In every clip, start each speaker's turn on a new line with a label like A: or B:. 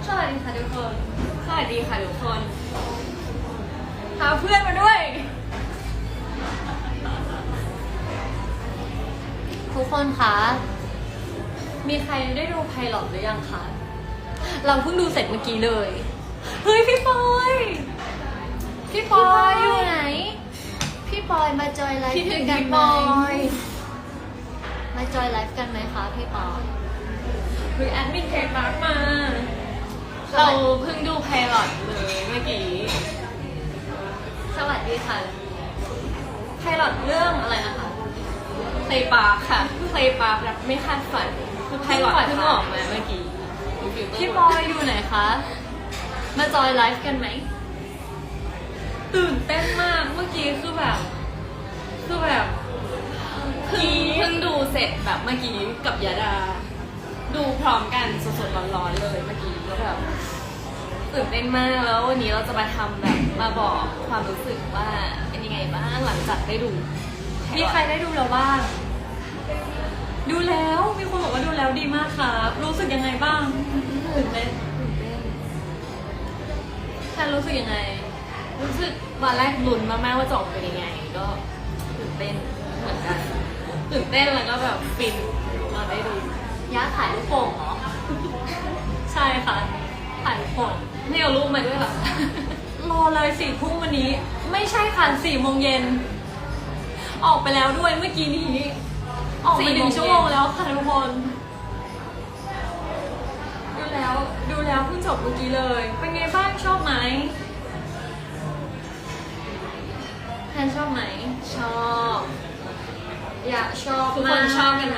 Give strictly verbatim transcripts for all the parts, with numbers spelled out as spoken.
A: สวัสดีค่ะทุกคน
B: สวัสดีค่ะทุกคน
A: พาเพื่อนมาด้วย ทุกคนคะมีใครได้ดูไพลอตหรือยังคะเราเพิ่งดูเสร็จเมื่อกี้เลยเฮ้ยพี่ปอยพี่ปอยอยู่ไหนพี่ปอยมาจอยไลฟ์
B: คิดถึ
A: ด้ว
B: ง
A: ยกัน
B: พี่
A: ไห
B: ป
A: ม
B: อย
A: มาจอยไลฟ์กันไหมคะพี่ปอย
B: คือแอดมินเทคมาร์กมา เราเพิ่งดูไพลอตเลยเมื่อกี้
A: สวัสดีค่ะไพลอตเรื่องอะไรนะคะ
B: เพลย์ปาร์คค่ะเพลย์ปาร์ครับไม่คาดฝันคือไพลอตเพิ่งออกมาเมื่อกี้
A: พี่ปอยอยู่ไหนคะมาจอยไลฟ์กันไหม
B: ตื่นเต้นมากเมื่อกี้คือแบบ คือแบบเพิ่งเพิ่งดูเสร็จแบบเมื่อกี้กับยาดา ดูพร้อมกันสดๆร้อนๆเลยเมื่อกี้แล้วแบบตื่นเต้นมากแล้ววันนี้เราจะมาทำแบบมาบอกความรู้สึกว่าเป็นยังไงบ้างหลังจากได้ดู
A: มีใครได้ดูแล้วบ้าง ดูแล้วมีคนบอกว่าดูแล้วดีมากครับรู้สึกยังไงบ้างตื่นเต้นตื่นเต้นแค่รู้สึกยังไง
B: รู้สึกวันแรกลุ้นมากๆว่าจะออกเป็นยังไง ก็ตื่นเต้นเหมือนกันตื่นเต้นแล้วก็แบบฟินมาได้ดู
A: ย่าถ่ายลูกโป่งเหรอ ใช่ค่ะถ่ายลูกโป่ง
B: ไม่เอารูปมาด้วยเหรอ
A: รอเลยสี่ทุ่มวันนี้ ไม่ใช่ค่ะสี่โมงเย็นออกไปแล้วด้วยเมื่อกี้นี้ ออกไปหนึ่งชั่วโมงแล้วค่ะทุกคนดูแล้วดูแล้วเพิ่งจบเมื่อกี้เลย เป็นไงบ้างชอบไหมแพนชอบไหม
B: ชอบ
A: อยากชอบ
B: ทุกค
A: มาน ก
B: ชอบกันไหม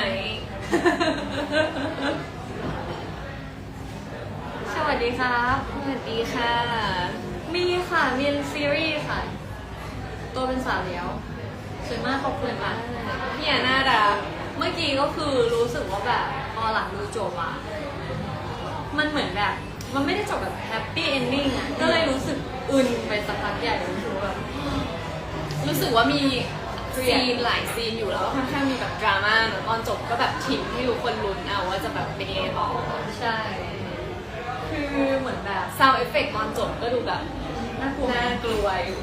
A: สวัสดีครับ
B: สวัสดีค่ะ
A: มีค่ะมีซีรีส์ค่ะ ตัวเป็นสาวเลี้ยวสวยมากขอบคุณค่ะ
B: พี่อาน่ารัก
A: เมื่อกี้ก็คือรู้สึกว่าแบบพอหลังดูจบอะมันเหมือนแบบ มันไม่ได้จบแบบแฮปปี้เอนดิ้งอะก็เลยรู้สึกอึนไปสักพักใหญ่รู้สึกว่าแบบ
B: รู้สึกว่ามี
A: เครียด
B: ซีนหลายซีนอยู่แล้วก็ค่อนข้างมีแบบดราม่าแล้วตอนจบก็แบบทิ้งให้ทุกคนลุ้นเอาว่าจะแบบเป็นยังไงต่อ
A: ใช่ คือเหมือนแบบ
B: ซาวเอฟเฟกตอนจบก็ดูแบบ
A: น่ากลัว
B: น่ากลัวอยู่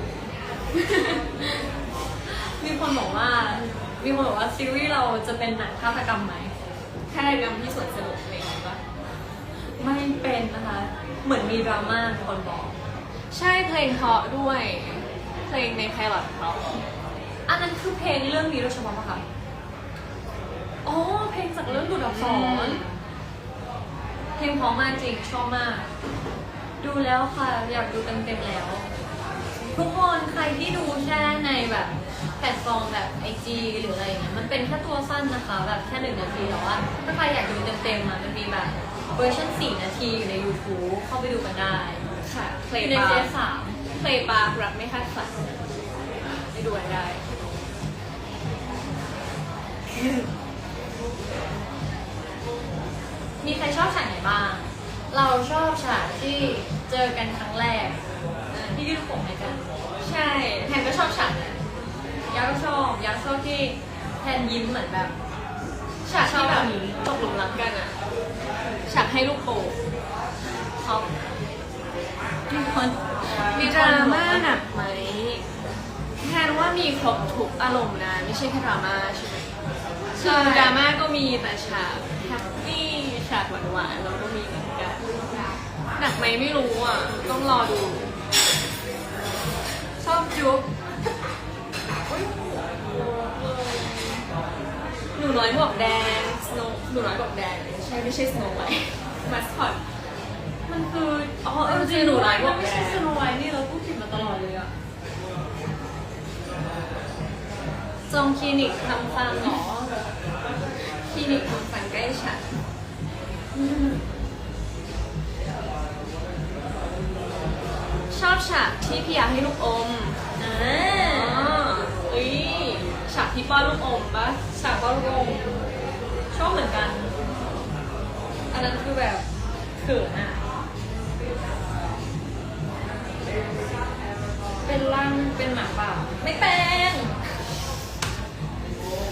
A: มีคนบอกว่า มีคนบอกว่าซีรีส์เราจะเป็นหนังฆาตกรรมไหม
B: ฆาตกรรมที่สวนสนุกอะไรอย่างเงี้ยปะ
A: ไม่เป็นนะคะ เหมือนมีดราม่ามีคนบอก
B: ใช่เพลงเพราะด้วย เพลงในไพลอตเพราะ
A: อันนั้นคือเพลงเรื่องนี้โดยเฉพาะปะคะอ๋อ เพลงจากเรื่องดูดอักษร เพลงเพราะมากจริงชอบมาก ดูแล้วค่ะ อยากดูเต็มๆแล้ว ทุกคนใครที่ดูแค่ในแบบแพลตฟอร์มแบบไอจีหรืออะไรอย่างเงี้ยมันเป็นแค่ตัวสั้นนะคะ แบบแค่หนึ่งนาทีแต่ว่าถ้าใครอยากดูเต็มๆอ่ะมันมีแบบเวอร์ชันสี่นาทีอยู่ใน YouTube เข้าไปดูกันได้
B: ค่ะ เพล
A: อง ยู่ใน
B: ปา
A: เจ
B: ร์
A: สาม
B: เพลงปาร์รักไม่คาดฝันไปดูกันได้
A: มีใครชอบฉากไหนบ้าง เราชอบฉากที่เจอกันครั้งแรกที่ยื่นผมให้กัน
B: ใช่แทนก็ชอบฉากนั้น
A: ยักษ์ก็ชอบยักษ์ชอบที่แทนยิ้มเหมือนแบบ
B: ฉากที่แบบ
A: ชอบแบบนี้
B: ตกหลุมรักกันอะฉากให้ลูกโป่ง
A: ชอบมีคน
B: มีดราม่าหนักไหมแทนว่ามีครบทุกอารมณ์นะไม่ใช่แค่ดราม่าใช่ไหมคือดราม่าก็มีแต่ฉากแฮปปี้ฉากหวานๆเราก็มีเหมือนกันหนักไหมไม่รู้อ่ะต้องรอดู
A: ชอบจุ๊บ
B: หนูน้อยหมวกแดง Snow หนูน้อยหมวกแดงใช่ไม่ใช่ Snow White มาสคอต
A: มันคืออ๋อเออจริง
B: หนู
A: หนู
B: น้
A: ร้า
B: อย ย
A: มันไม่ใช่
B: บอก
A: ส
B: แล้ว
A: โนไวท์นี่เราพูดผิดมาตลอดเลยอะจองคลินิกทำฟันเหรอ
B: คลินิกทำฟันใกล้ฉันชอบฉากที่พี่ยาให้ลูกอม
A: อ่า
B: อ๋อเอ้ยฉากที่ป้อนลูกอมปะ
A: ฉากว่าโรงชอบเหมือนกัน อันนั้นคือแบบเขินอะเป็นร่างเป็นหมาป่าไม่เป็น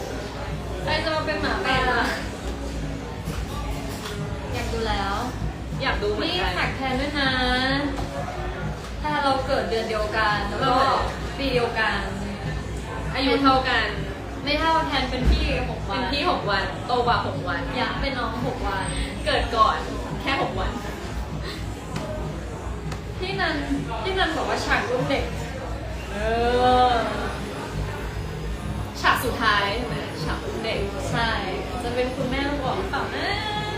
A: ใครจะมาเป็นหมาป่าอยากดูแล้ว
B: อยากดูเหมือน
A: นี่
B: กัน
A: แท็กแทนด้วยนะ ถ้าเราเกิดเดือนเดียวกันแล้วก็ปีเดียวกัน
B: อายุเท่ากัน
A: ไม่เท่าแทนเป็นพี่หกวั
B: เป็น นพี่หกวันโตกว่าหกวัน
A: อยากเป็นน้องหกวัน
B: เกิดก่อนแค่หกวัน
A: พี่นันพี่นันบอกว่าฉากรุ่นเด็ก
B: เออฉากสุดท้ายใช่ไหมฉากอุ้มเด็ก
A: ใช่ จะเป็นคุณแม่บอกหรือเปล่านะ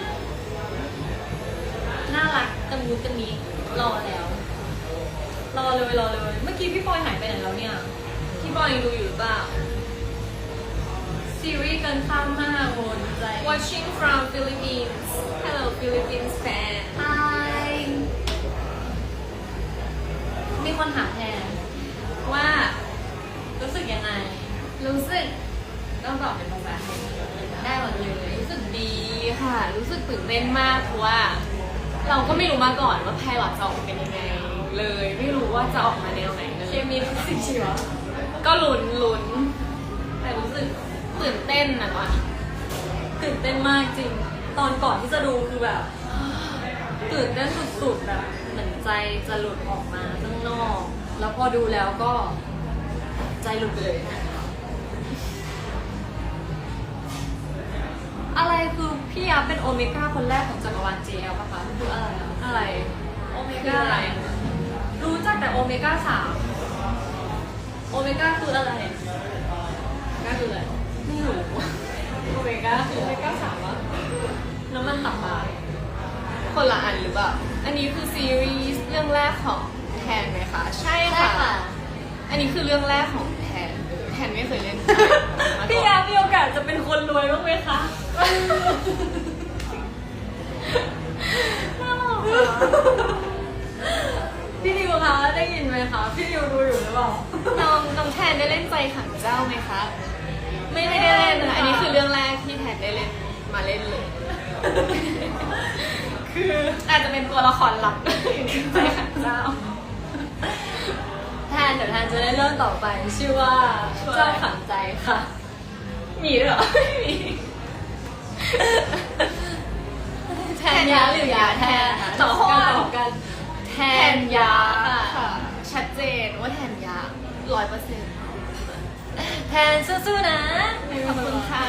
A: น่ารักตะมูตะมีรอแล้ว รอเลยรอเลย เมื่อกี้พี่ปอยหายไปไหนแล้วเนี่ย
B: พี่บอยยังดูอยู่หรือเปล่า
A: ซีรีส์เกินข้ามมากโวนใจ
B: Watching from Philippines Hello Philippines fan
A: ไฮมีคนถามแทน
B: ว่า
A: รู้สึกยังไง
B: รู้สึกต้องตอบเป็นภาษาไทย
A: ได้หมดเลย
B: รู้สึกดีค่ะ รู้สึกตื่นเต้นมากเพราะว่า เราก็ไม่รู้มาก่อนว่าไพลอตจะออกมาเป็นยังไง เลยไม่รู้ว่าจะออกมาแนวไหนเล
A: เค
B: ย
A: มีฟิสิกส์ชีวะ
B: ก็ลุ้นลุ้นแต่รู้สึกตื่นเต้นนะตอนนี้
A: ตื่นเต้นมากจริง ตอนก่อนที่จะดูคือแบบ ตื่นเต้นสุดๆแบบเหมือนใจจะหลุดออกมาข้างนอก แล้วพอดูแล้วก็ใจหลุดไปเลย อะไรคือพี่ยับเป็นโอเมก้าคนแรกของจักรวาล เจ แอล ป่ะคะคืออะไรอะ
B: อะไร
A: โอเม
B: คือ
A: ก้า
B: อะไร
A: รู้จักแต่โอเมก้าสามโอเมก้าคืออะไร
B: ก็คืออะไร
A: ไม่รู้
B: โอเมก้าคือ
A: โอเมก้าสามวะน้ำมันตับปลา
B: คนละอันหรือเปล่า อันนี้คือซีรีส์เรื่องแรกของแทนไหมคะ ใช่
A: ใช่
B: ค่ะ
A: ค่ะ
B: อันนี้คือเรื่องแรกของแทน แทนไม่เคยเล่นมา
A: พี่
B: ก่
A: ยา
B: อน
A: มีโอกาสจะเป็นคนรวยบ้างไหมคะน่ารักอะพี่ดิวคะได้ยินไหมคะ พี่ดิวดูอยู่หรือเปล่า
B: น้องน้องแทนได้เล่นใจขังเจ้าไหมคะ
A: ไม่
B: ไม่ได้เล่นนะอันนี้คือเรื่องแรกที่แทนได้เล่นมาเล่นเลย คืออาจจะเป็นตัวละครหลักอยู่ในใจขังเจ้า
A: แทนเดี๋ยวแทนจะได้เรื่องต่อไป ชื่อว่า
B: ชื่อว่า
A: เจ้าขังใจค่ะ
B: มีด้วยเหรอไม่มี
A: แทนยาหรือยาแทน
B: ตอบ
A: กั
B: กัน
A: ตอบกัน
B: แทนยาค่ะ ชัดเจนว่าแทนยาร้อยเปอร์เซ็นต์
A: แทนสู้ๆนะ
B: ขอบคุณค่ะ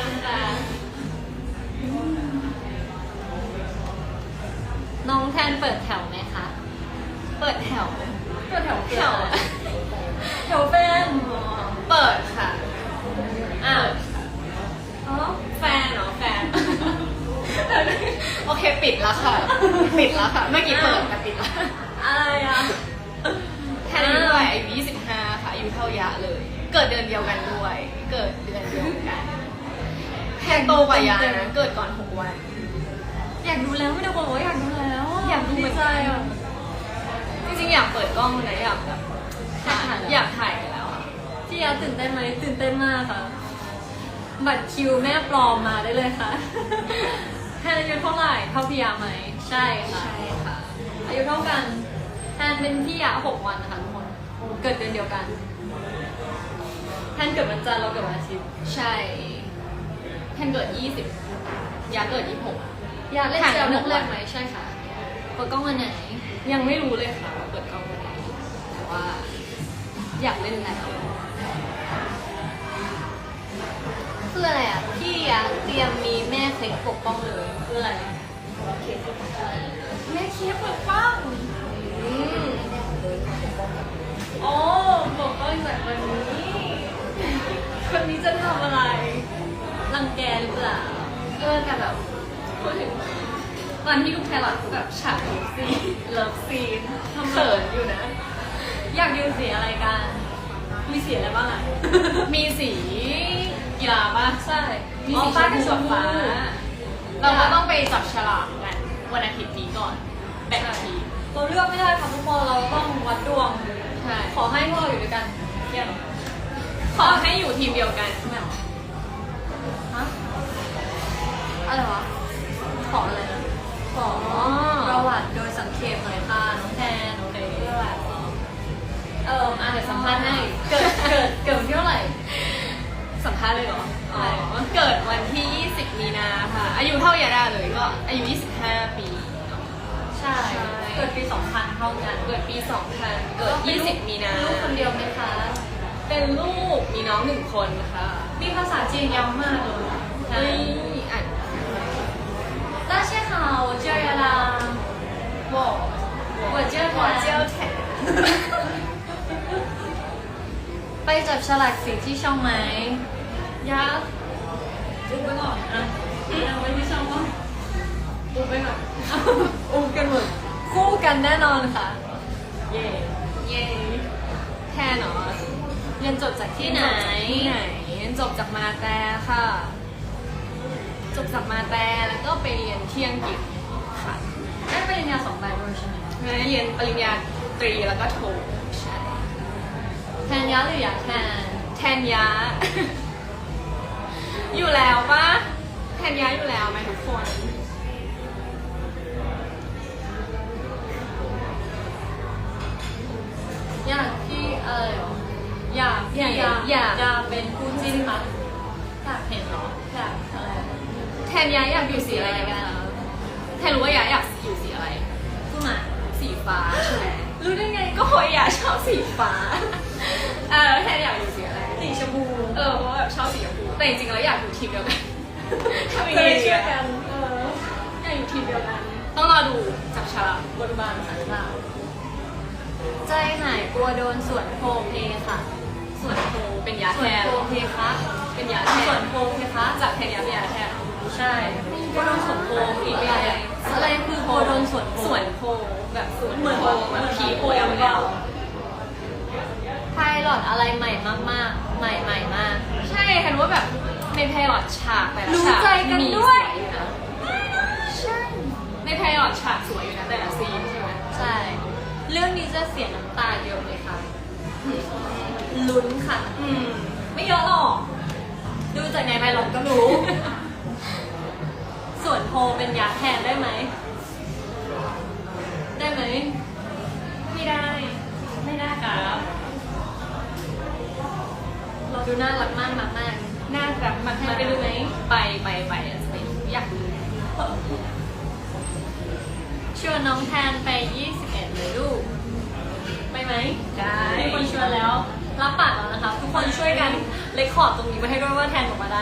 A: น้องแทนเปิดแถวไหมคะ
B: เปิดแถว
A: เปิดแถว
B: แถว
A: แถวแฟน
B: เปิดค่ะ
A: อ้าวอ๋อ
B: แฟนเหรอแฟน โอเคปิดแล้วค่ะ ปิดแล้วค่ะ เมื่อกี้เปิดแต่ปิดแล้ว
A: อะไรอ่ะ
B: แทนอายุเท่าไหร่อายุยี่สิบห้าค่ะอายุเท่ายะเลย เกิดเดือนเดียวกันด้วย เกิดเดือนเดียวกันแทนโตกว่ายะนะเกิดก่อนหกวัน
A: อยากดูแล้วไม่ได้บอกว่าอยากดูแล้ว
B: อยากดูเหมือนกัน
A: ดีใจอ่ะ
B: จริงๆอยากเปิดกล้องนะอยากแบบ
A: ถ่าย
B: อยากถ่ายแล้วอะ
A: พี่ยาตื่นเต้นไหมตื่นเต้นมากค่ะ บัตรคิวแม่ปลอมมาได้เลยค่ะ แทนอายุเท่าไหร่เท่าพี่ยาไหมใช่ค่ะ
B: ใช่ค่ะ
A: อายุเท่ากันแทนเป็นพี่ยาหกวันนะคะทุกคนเกิดเดือนเดียวกันแทนเกิดวันจันทร์เราเกิดวันอาทิตย์
B: ใช่แทนเกิดยี่สิบยาเกิดยี่สิบหก
A: อยากเล่น
B: ถ่าย
A: เจล
B: ห
A: เรื่
B: ก
A: อง
B: วัน
A: แรกไหมใช่ค่ะเปิดกล้องวันไหน
B: ยังไม่รู้เลยค่ะว่าเปิดกล้องวันไหนแต่ว่า อยากเล่นแล้ว
A: คืออะไรอ่ะพี่ยาเตรียมมีแม่เคล็ดปกป้องเลยคืออะไร
B: แม่เคียบปกป้อง
A: อืมโอ้ปกป้องจากวันนี้คนนี้จะทำอะไรรังแกหรือเปล่า
B: เออแต่แบบพูดถึงตอนที่ดูแครอทแบบฉากเลิฟซีนเลิฟซีนเขินอยู่นะ
A: อยากดูสีอะไรกัน มีสีอะไรบ้างอ่ะ
B: มีสีกีฬาป่ะ
A: ใช่
B: มีสีชมพูกับฟ้า เราก็ต้องไปจับฉลากกันวันอาทิตย์นี้ก่อนแบ่งทีม
A: เราเลือกไม่ได้ค่ะทุกคนเราต้องวัดดวง
B: ใช่
A: ขอให้พวกเราอยู่ด้วยกันเที่ยง
B: ขอให้อยู่ทีมเดียวกัน
A: ไม่เอาฮะอะไรวะ ขออะไรนะ ขอประวัติโดยสังเขปหน่อยค่ะน้องแทนโอเคประวัติเอออ่ะเดี๋ยวสัมภาษณ์ให้ เกิด เกิด เกิดวันที่เท่าไหร่
B: สัมภาษณ์เลยเหรอ
A: ใช่
B: อ๋อเกิดวันที่ยี่สิบมีนาค่ะ อายุเท่ายาดาเลยก็อายุยี่สิบห้าปีเนาะ
A: ใช่เกิดปีสองพันเท่ากัน
B: เกิดปีสองพันเกิดยี่สิบมีนา
A: ลูกคนเดียวไหมคะ
B: เป็นลูกมีน้องหนึ่งคนค่ะ
A: มีภาษาจีนยาวมากเลย
B: เฮ้ยอ่าน
A: 大家好我叫亚拉
B: 我
A: 我叫
B: 我叫แทน
A: ไปจับฉลากสีที่ช่องไหม
B: ยาอุบไปก่อนอ่ะเอาไว้ที่ช่องว่าอุบไปก่อน
A: อู้กันหมดคู่กันแน่นอนค่ะ
B: เย่เย่แทนเหรอ
A: เรียนจบจากที่ไหน
B: ที่ไหนเรียนจบจากมาแต่ค่ะ จบจากมาแต่แล้วก็ไปเรียนที่อังกฤษค่ะ
A: ได้ปริญญาสองใบด้วยใช่ไหม
B: เรียนปริญญาตรีแล้วก็โทใช่
A: แทนยะหรืออยากแทน
B: แทนยะ อยู่แล้วปะแทนยะอยู่แล้วไหมทุกคน
A: อยากที่เอออยาก
B: อยาก
A: อยาก
B: อยาก
A: อยากเป็นคู่จิ้นคะอยากเห็นเหรออยากอะไร
B: แทนยะอยากอยู่สีอะไรกันคะแทนรู้ว่ายะอยากอยู่สีอะไร
A: คู่หมา
B: สีฟ้าใช่ไหม
A: รู้ได้ไง
B: ก็เพราะยะชอบสีฟ้า เออแทนอยากอยู่สีอะไร
A: สีชมพู
B: เออเพราะว่าแบบชอบสีชมพูแต่จริงๆแล้วอยากอยู่ทีมเดียวกันทำยัง
A: เค
B: ไง
A: ย
B: ดี
A: เชื่อ
B: อะ
A: กันเออ
B: อยากอยู่ทีมเดียวกัน ต้องรอดูจับฉลาก
A: บทบาทสันหลังใจหายกลัวโดนสวนโพเพค่ะ
B: ส่วนโทเป็นยา
A: ส
B: แท
A: วน
B: น
A: โพเพคะ
B: เป็นยาแท
A: สวน นโพเพคะ
B: จากแทนยาเป็นยาแทน
A: ใช่กลัวโดนสวนโพอีกอะไรอะไรคือกลัวโดนสวนโพ
B: สวนโพแบบสวน
A: เหมือน
B: โพแบบผีโพ
A: เอ
B: เอล
A: ล
B: เอล
A: ไพลอตอะไรใหม่มากๆ ใหม่ใหม่มาก
B: ใช่เห็นว่าแบบในไพลอตฉากแต่ละ
A: รู้
B: ฉาก
A: ใจกัน
B: มี
A: ด้วย
B: สอยู่นะ
A: ใช่
B: ในไพลอตฉากสวยอยู่นะแต่ละซีนใช่ไหม
A: ใช่ เรื่องนี้จะเสียน้ำตาเยอะไหมคะลุ้นค่ะ
B: อืม
A: ไม่เยอะหรอก ดูจากในไพลอตก็รู้ ส่วนโพเป็นยาแทนได้ไหม ได้ไหม
B: ไม่ได้ ไม่ได้ครับ
A: เราดูน่ารักมากมากมาก
B: น่ารักมาก
A: ให้ไปดูไหม
B: ไปไปไปอ่ะจะไปดูอยากดู
A: ชวนน้องแทนไป ยี่สิบเอ็ด เลยลูก ไปไหม
B: ได้
A: มีคนชวนแล้ว รับปากแล้วนะคะ ทุกคนช่วยกันเลคคอร์ดตรงนี้มาให้ด้วยว่าแทนออกมาได้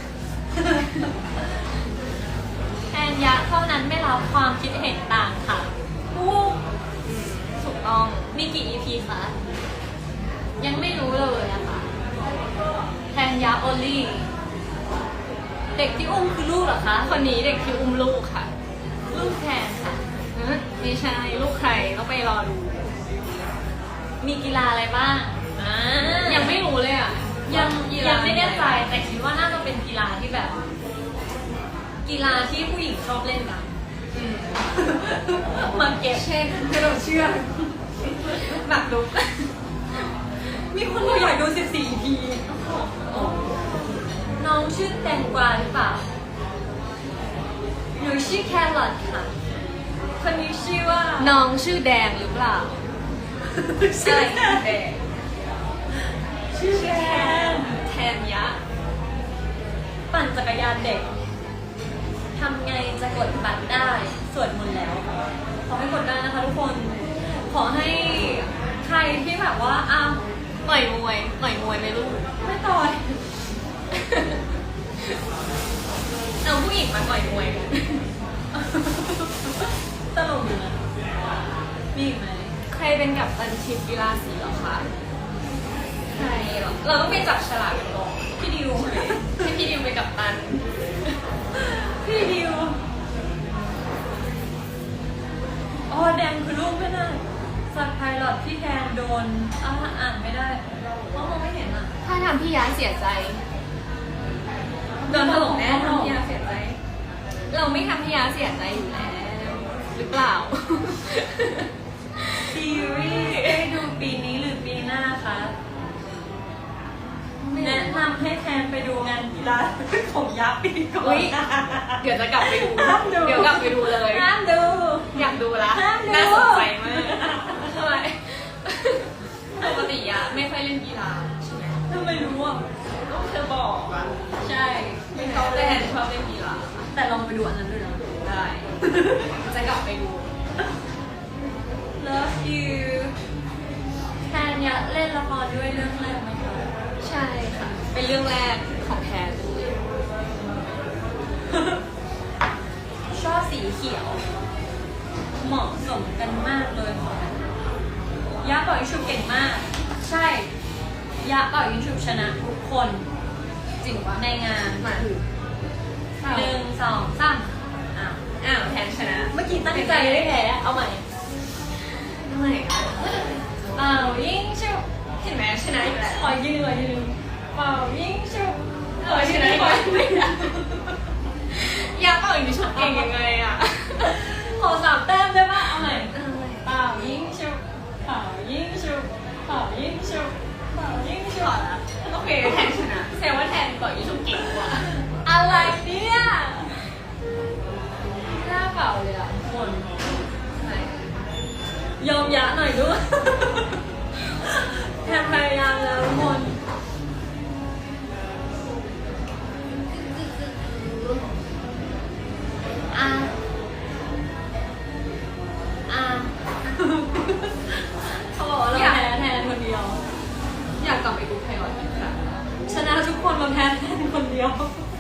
A: แทนยะเท่านั้นไม่รับความคิดเห็นต่างค่ะอู้
B: อืมถูกต้อง
A: มีกี่ อี พี คะ ยังไม่รู้เลยอะค่ะ แทนยะโอลี่ เด็กที่อุ้มคือลูกเหรอคะ
B: คนนี้เด็กที่อุ้มลูกค่ะ
A: ลูกแทนค่ะ
B: เอ้ยไม่ใช่ลูกใครต้องไปรอดู
A: มีกีฬาอะไรบ้างอ่า
B: ยังไม่รู้เลยอ่ะ
A: ยัง
B: กีฬา
A: ยังไม่แน่ใจแต่คิดว่าน่าจะเป็นกีฬาที่แบบ กีฬาที่ผู้หญิงชอบเล่นกัน
B: อืม
A: มาเก็บ
B: เช่นกระโดดเชือกหนักลุก
A: มีคนบอกอยากดู สิบสี่ อี พี น้องชื่อแตงกวาหรือเปล่าหนูชื่อแครอทค่ะ คนนี้ชื่อว่า
B: น้องชื่อแดงหรือเปล่า
A: ใช่
B: แดง
A: ชื่อแทน
B: แทนยะ
A: ปั่นจักรยานเด็ก ทำไงจะกดบัตรได้สวดมนต์แล้ว ขอให้กดได้นะคะทุกคน ขอให้ใครที่แบบว่าอ้าว
B: ต่อยมวยต่อยมวยไหมลูก
A: ไม่ต่อย
B: เอาผู้หญิงมาต่อยมวยกัน
A: ตลกอยู่นะ มีอีกไหม
B: ใครเป็นกัปตันทีมกีฬาสีเหรอคะ ใครเหรอ เราต้องไปจับฉลากกันก่อน
A: พี่ดิว
B: ให้พี่ดิวเป็นกัปตัน
A: พี่ดิวอ๋อแดงคือลูกไม่ได้สัตว์ไพลอตที่แทนโดนอ่าอ่านไม่ได้เพราะมองไม่เห็นอ่ะ
B: ถ้าทำพี่ยะเสียใจ โดนถล่มแน่ทำพี่ยะเสียใจ เราไม่ทำพี่ยะเสียใจอยู่แล้ว หรือเปล่า
A: ซีรีส์ได้ดูปีนี้หรือปีหน้าคะ แนะนำให้แทนไปดูงานกีฬาของยักษ์ปีก่อ
B: อุ๊
A: น
B: ย เดี๋ยวจะกลับไปดู
A: ห้ามดู
B: เดี๋ยวกลับไปดูเลย
A: ห้ามดู
B: อยากดูละ
A: ห้ามดู
B: น่าสนใจมากทำไมปกติยะไม่ค่อยเล่นกีฬาใช่ไหม
A: ทำไมรู้อ่ะ
B: ก็เธอบอกอะ
A: ใช่
B: ไม่ชอบเล่นชอบเล่นกีฬา
A: แต่ลองไปดูอันนั้นด้วยนะ
B: ได้ จะกลับไปดู
A: พด้วยเรื่องแรกไหมคะ
B: ใช่ค่ะ เป็นเรื่องแรกของแทน
A: ชอบสีเขียว เหมาะสมกันมากเลยค่ะยะเป่ายิงฉุบเก่งมาก ใช่ยะเป่ายิงฉุบชนะทุกคน
B: จริงปะ
A: ในงาน
B: มา
A: หนึ่งสองสามอ้าว
B: อ้าวแทนชนะ
A: เมื่อกี้ตั้งใจไม่แพ้เอาใหม่
B: ทำไมอ่ะ
A: เป่ายิงฉุบ
B: เห็นไหมชนะอีกแล้ว
A: ขอยืนขอยืนเป่ายิงฉุบ
B: เออชนะอีกแล้วยาเป่าอีกชุดเก่งยังไงอ่ะ
A: ขอสามแต้มได้ปะเอาใหม่
B: เออ
A: เป่ายิงฉุบเป่ายิงฉุบเป่ายิงฉุบเป่ายิงฉุ
B: ขอบ ละโอเคแทนชนะแสดงว่าแทนเป่าอีกชุดเก่งกว่า
A: อะไรเนี่ยหน้าเป่าเลยอ่ะทุกคนยอมยะหน่อยด้วย แทนพยายามแล้วทุกคนอ่ะอ่ะเขาบอกว่าเราแพ้แทนคนเดียว
B: อยากกลับไปดูไพลอตอีกครั้ง
A: ชนะทุกคนมาแพ้แทนคนเดียว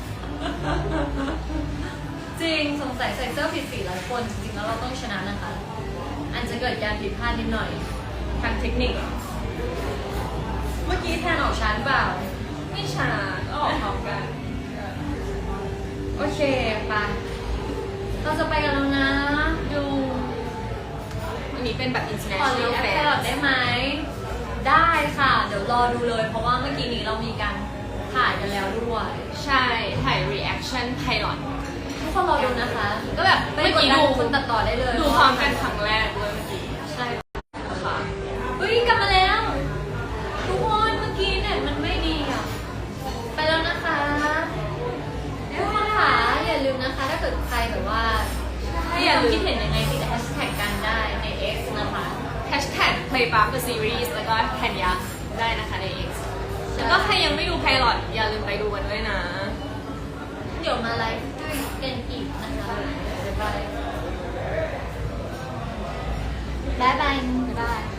A: จริงสงสัยใส่เสื้อผิดสีหลายคนจริงๆแล้วเราต้องชนะนะคะอาจจะเกิดการผิดพลาดนิดหน่อยทางเทคนิค เมื่อกี้แทนออกช้าหรือเปล่า
B: ไม่ชนะก็ออกพร้อมกัน
A: โอเคไปเราจะไปกันแล้วนะ ดู
B: อันนี้เป็นแบบ
A: ขอ
B: international
A: รีแอค
B: fair
A: แครอทได้ไหม ได้ค่ะ เดี๋ยวรอดูเลย เพราะว่าเมื่อกี้นี้เรามีการถ่ายกันแล้วด้วย
B: ใช่ ถ่าย reaction pilot
A: ทุกคนรอดูนะคะ
B: ก็แบบ
A: ไม่
B: เมื่อก
A: ด
B: กี้
A: ดัน
B: ดู
A: คุณตัดต่อได้เลย
B: ดูพร้อมกันครั้งแรกด้วยเมื่อกี้
A: ใช่
B: ค่ะ
A: เฮ้ยกลับมาแล้ว ทุกคนเมื่อกี้เน็ตมันไม่ดีอ่ะ ไปแล้วนะคะทุกคนค่ะอย่าลืมนะคะ ถ้าเกิดใครแบบว่า
B: ถ้า
A: อ
B: อย่า
A: ย่า
B: ลื
A: คิด
B: ม
A: เห็นยังไงติดแฮชแท็กกันได้ใน X นะคะ
B: hashtag playpub the series แล้วก็แทนยักษ์ได้นะคะใน X แล้วก็ใครยังไม่ดูไพลอตอย่าลืมไปดูกันด้วยนะ
A: เดี๋ยวมาไลฟ์ด้วยกันอีกนะคะบ๊ายบายบ๊ายบาย
B: บ๊ายบาย